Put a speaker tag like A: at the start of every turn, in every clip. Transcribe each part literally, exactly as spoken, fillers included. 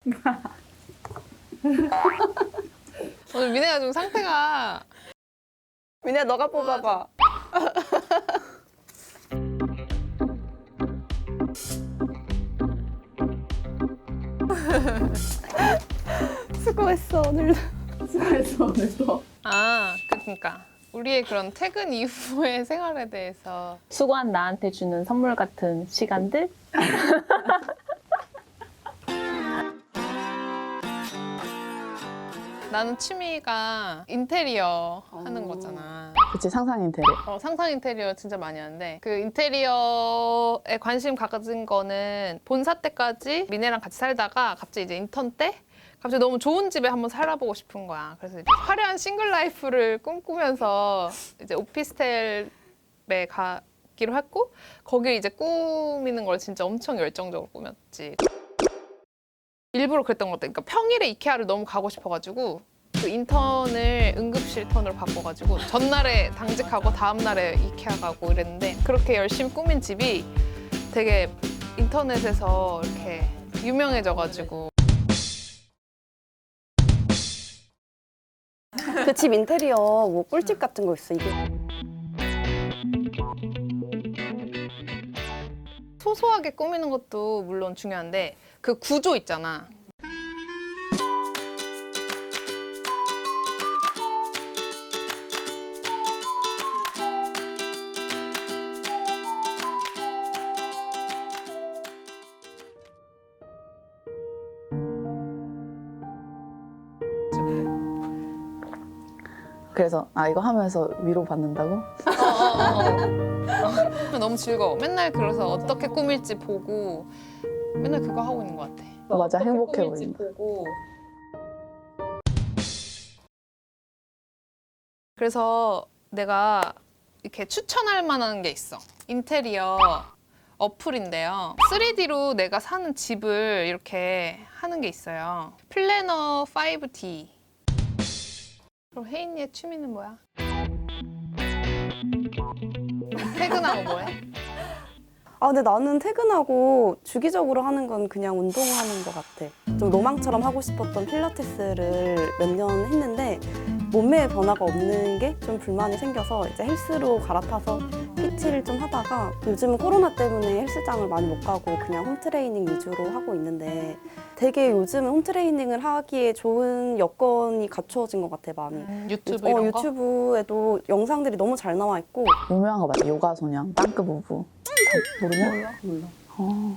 A: 오늘 미네가 좀 상태가.
B: 민혜야 너가 뽑아봐. 수고했어 오늘도. 수고했어 오늘도.
A: 아, 그러니까 우리의 그런 퇴근 이후의 생활에 대해서.
C: 수고한 나한테 주는 선물 같은 시간들?
A: 나는 취미가 인테리어 하는 거잖아.
B: 그치 상상 인테리어.
A: 어, 상상 인테리어 진짜 많이 하는데 그 인테리어에 관심 가진 거는 본사 때까지 미네랑 같이 살다가 갑자기 이제 인턴 때 갑자기 너무 좋은 집에 한번 살아보고 싶은 거야. 그래서 이제 화려한 싱글 라이프를 꿈꾸면서 이제 오피스텔에 가기로 했고 거기 이제 꾸미는 걸 진짜 엄청 열정적으로 꾸몄지. 일부러 그랬던 것 같아. 그러니까 평일에 이케아를 너무 가고 싶어가지고 그 인턴을 응급실 턴으로 바꿔가지고 전날에 당직하고 다음날에 이케아 가고 이랬는데 그렇게 열심히 꾸민 집이 되게 인터넷에서 이렇게 유명해져가지고.
B: 그 집 인테리어 뭐 꿀팁 같은 거 있어 이게?
A: 소소하게 꾸미는 것도 물론 중요한데 그 구조 있잖아.
B: 그래서 아 이거 하면서 위로 받는다고?
A: 너무 즐거워. 맨날 그래서 어떻게 꾸밀지 보고 맨날 그거 하고 있는 것 같아.
B: 어, 맞아
A: 어떻게
B: 행복해
A: 꾸밀지
B: 보인다.
A: 보고. 그래서 내가 이렇게 추천할 만한 게 있어. 인테리어 어플인데요. 쓰리디로 내가 사는 집을 이렇게 하는 게 있어요. 플래너 파이브 디. 그럼 혜인이의 취미는 뭐야? 퇴근하고 뭐해?
B: 아 근데 나는 퇴근하고 주기적으로 하는 건 그냥 운동하는 것 같아. 좀 로망처럼 하고 싶었던 필라테스를 몇 년 했는데 몸매에 변화가 없는 게 좀 불만이 생겨서 이제 헬스로 갈아타서 피티를 좀 하다가 요즘은 코로나 때문에 헬스장을 많이 못 가고 그냥 홈트레이닝 위주로 하고 있는데 되게 요즘은 홈트레이닝을 하기에 좋은 여건이 갖추어진 것 같아 많이.
A: 음, 유튜브
B: 어,
A: 이런 거?
B: 유튜브에도 영상들이 너무 잘 나와 있고
D: 유명한 거 맞아. 요가 소년, 빵크 부부. 다 모르냐?
B: 몰라. 몰라.
D: 어.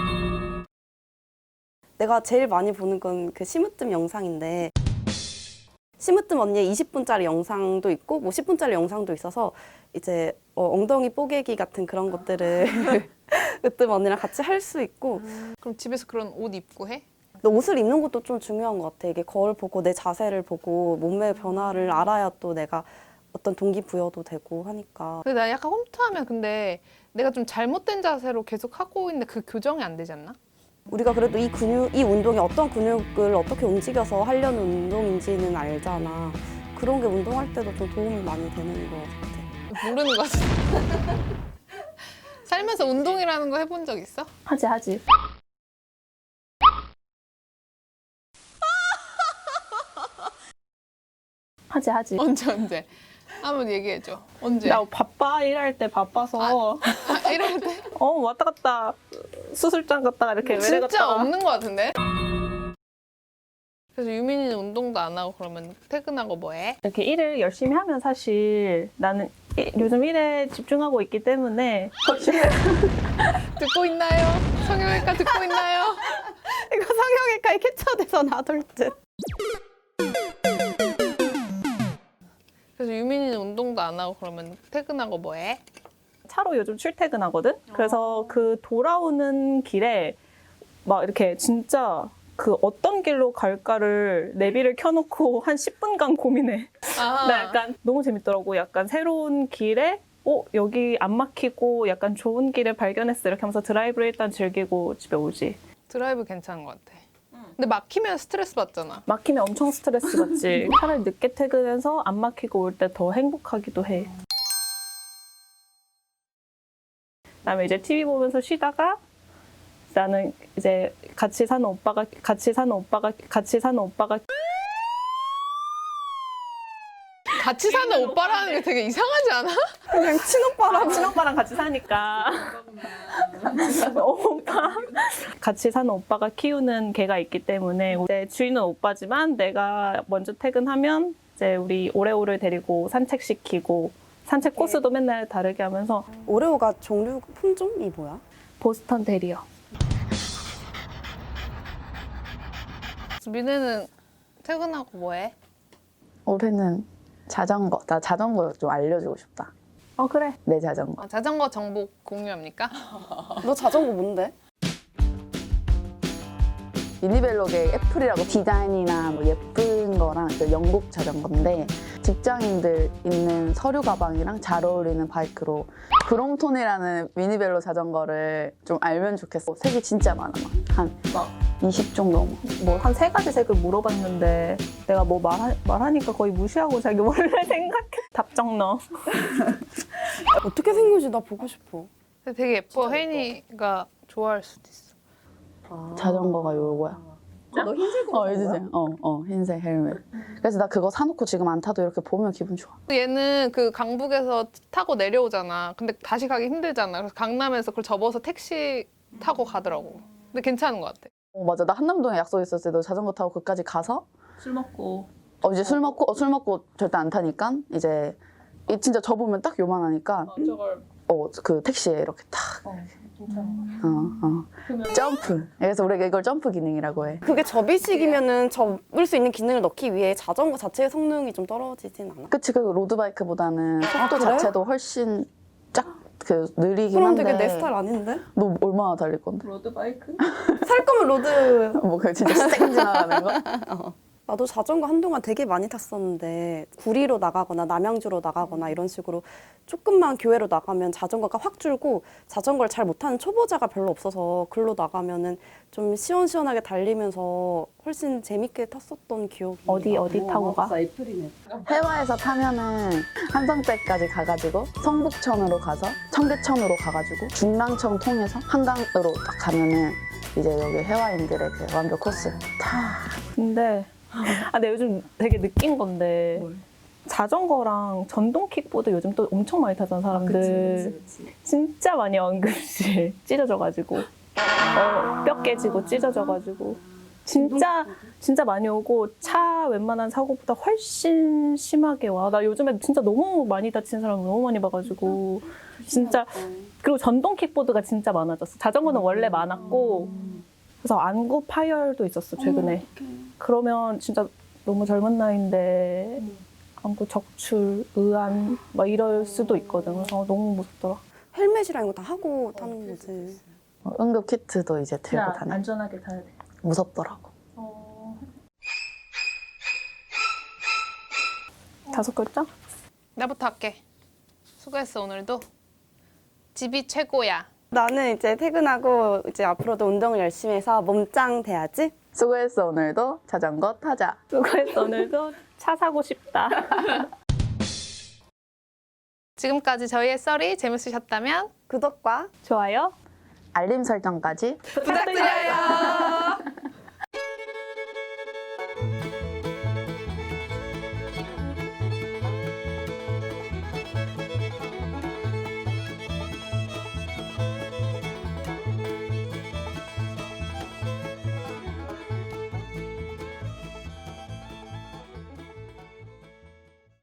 B: 내가 제일 많이 보는 건 그 심으뜸 영상인데 심으뜸 언니의 이십 분짜리 영상도 있고 뭐 십 분짜리 영상도 있어서 이제 어, 엉덩이 뽀개기 같은 그런 것들을 으뜸 언니랑 같이 할 수 있고
A: 그럼 집에서 그런 옷 입고 해?
B: 근데 옷을 입는 것도 좀 중요한 것 같아. 이게 거울 보고 내 자세를 보고 몸매 변화를 알아야 또 내가 어떤 동기부여도 되고 하니까
A: 근데 나 약간 홈트하면 근데 내가 좀 잘못된 자세로 계속 하고 있는데 그 교정이 안 되지 않나?
B: 우리가 그래도 이 근육, 이 운동이 어떤 근육을 어떻게 움직여서 하려는 운동인지는 알잖아. 그런 게 운동할 때도 좀 도움이 많이 되는 것 같아.
A: 모르는 거 같아. 살면서 운동이라는 거 해본 적 있어?
C: 하지 하지. 하지 하지.
A: 언제 언제? 한번 얘기해줘. 언제?
C: 나 바빠 일할 때 바빠서
A: 아, 이럴 때?
C: 어 왔다 갔다 수술장 갔다가 이렇게 외래
A: 진짜
C: 갔다가
A: 없는 거 같은데? 그래서 유민이는 운동도 안 하고 그러면 퇴근하고 뭐 해?
C: 이렇게 일을 열심히 하면 사실 나는 이- 요즘 일에 집중하고 있기 때문에
A: 듣고 있나요? 성형외과 듣고 있나요?
B: 이거 성형외과에 캡처돼서 놔둘 듯.
A: 그래서 유민이는 운동도 안 하고 그러면 퇴근하고 뭐 해?
C: 차로 요즘 출퇴근하거든. 그래서 그 돌아오는 길에 막 이렇게 진짜 그 어떤 길로 갈까를 내비를 켜놓고 한 십 분간 고민해.
A: 아,
C: 나 약간 너무 재밌더라고. 약간 새로운 길에 어 여기 안 막히고 약간 좋은 길을 발견했어. 이렇게 하면서 드라이브를 일단 즐기고 집에 오지.
A: 드라이브 괜찮은 것 같아. 근데 막히면 스트레스 받잖아.
C: 막히면 엄청 스트레스 받지. 차라리 늦게 퇴근해서 안 막히고 올 때 더 행복하기도 해. 그다음에 이제 티비 보면서 쉬다가 나는 이제 같이 사는 오빠가 같이 사는 오빠가 같이 사는 오빠가
A: 같이 사는 오빠라는 게 되게 이상하지 않아?
B: 그냥 친오빠라고.
C: 친오빠랑 같이 사니까 오빠 같이 사는 오빠가 키우는 개가 있기 때문에 이제 주인은 오빠지만 내가 먼저 퇴근하면 이제 우리 오레오를 데리고 산책시키고 산책 코스도 맨날 다르게 하면서
B: 오레오가 종류 품종이 뭐야?
C: 보스턴 테리어.
A: 민혜는 퇴근하고 뭐해?
D: 올해는 자전거. 나 자전거 좀 알려주고 싶다.
C: 어 그래.
D: 내 자전거.
A: 아, 자전거 정보 공유합니까?
B: 너 자전거 뭔데?
D: 미니벨로게 애플이라고 디자인이나 뭐 예쁜 거랑 그 영국 자전거인데 직장인들 있는 서류 가방이랑 잘 어울리는 바이크로 브롬톤이라는 미니벨로 자전거를 좀 알면 좋겠어. 색이 진짜 많아. 한 이십 종 넘어.
C: 뭐 한 세 가지 색을 물어봤는데 내가 뭐 말하, 말하니까 거의 무시하고 자기 원래 생각해. 답정 넣어.
B: 어떻게 생겼지? 나 보고 싶어.
A: 근데 되게 예뻐. 혜인이가 좋아할 수도 있어.
D: 자전거가 요거야.
B: 너 흰색
D: 어, 알지? 어, 어, 흰색 헬멧. 그래서 나 그거 사놓고 지금 안 타도 이렇게 보면 기분 좋아.
A: 얘는 그 강북에서 타고 내려오잖아. 근데 다시 가기 힘들잖아. 그래서 강남에서 그걸 접어서 택시 타고 가더라고. 근데 괜찮은 것 같아.
D: 어, 맞아. 나 한남동에 약속 있었을 때도 자전거 타고 거기까지 가서
C: 술 먹고.
D: 어, 이제 술 먹고, 어, 술 먹고 절대 안 타니까 이제 이 진짜 접으면 딱 요만하니까
C: 저걸.
D: 어, 그 택시에 이렇게 탁.
C: 어, 진짜.
D: 어, 어. 점프. 그래서 우리가 이걸 점프 기능이라고 해.
B: 그게 접이식이면은 접을 수 있는 기능을 넣기 위해 자전거 자체의 성능이 좀 떨어지진 않아?
D: 그치, 그 로드바이크보다는 속도
B: 그래?
D: 자체도 훨씬 쫙 그 느리긴
B: 그럼
D: 한데.
B: 되게 내 스타일 아닌데?
D: 너 얼마나 달릴 건데?
C: 로드바이크?
B: 살 거면 로드.
D: 뭐 그 진짜 쌩 지나가는 거?
B: 나도 자전거 한동안 되게 많이 탔었는데 구리로 나가거나 남양주로 나가거나 이런 식으로 조금만 교외로 나가면 자전거가 확 줄고 자전거를 잘 못하는 초보자가 별로 없어서 글로 나가면은 좀 시원시원하게 달리면서 훨씬 재밌게 탔었던 기억이
C: 어디
B: 나.
C: 어디 타고 가?
D: 해화에서 타면은 한성대까지 가가지고 성북천으로 가서 청계천으로 가가지고 중랑천 통해서 한강으로 딱 가면은 이제 여기 해화인들의 그 완벽 코스 다.
C: 근데 아, 근데 요즘 되게 느낀 건데 자전거랑 전동 킥보드 요즘 또 엄청 많이 타잖아 사람들. 진짜 많이 와, 응급실 찢어져가지고 어, 뼈 깨지고 찢어져가지고 진짜 진짜 많이 오고 차 웬만한 사고보다 훨씬 심하게 와. 나 요즘에 진짜 너무 많이 다친 사람 너무 많이 봐가지고 진짜. 그리고 전동 킥보드가 진짜 많아졌어. 자전거는 원래 많았고 그래서 안구 파열도 있었어 최근에. 그러면 진짜 너무 젊은 나이인데 안구 적출, 의안 막 이럴 수도 있거든. 그래서 너무 무섭더라.
B: 헬멧이랑 이거 다 하고 타는 거지.
D: 어, 응급 키트도 이제 들고 다녀.
C: 안전하게 타야 돼.
D: 무섭더라고.
C: 다섯 글자?
A: 나부터 할게. 수고했어 오늘도. 집이 최고야.
B: 나는 이제 퇴근하고 이제 앞으로도 운동을 열심히 해서 몸짱 돼야지.
D: 수고했어 오늘도 자전거 타자.
C: 수고했어. 오늘도 차 사고 싶다.
A: 지금까지 저희의 썰이 재밌으셨다면
B: 구독과
C: 좋아요.
D: 알림 설정까지
A: 부탁드려요.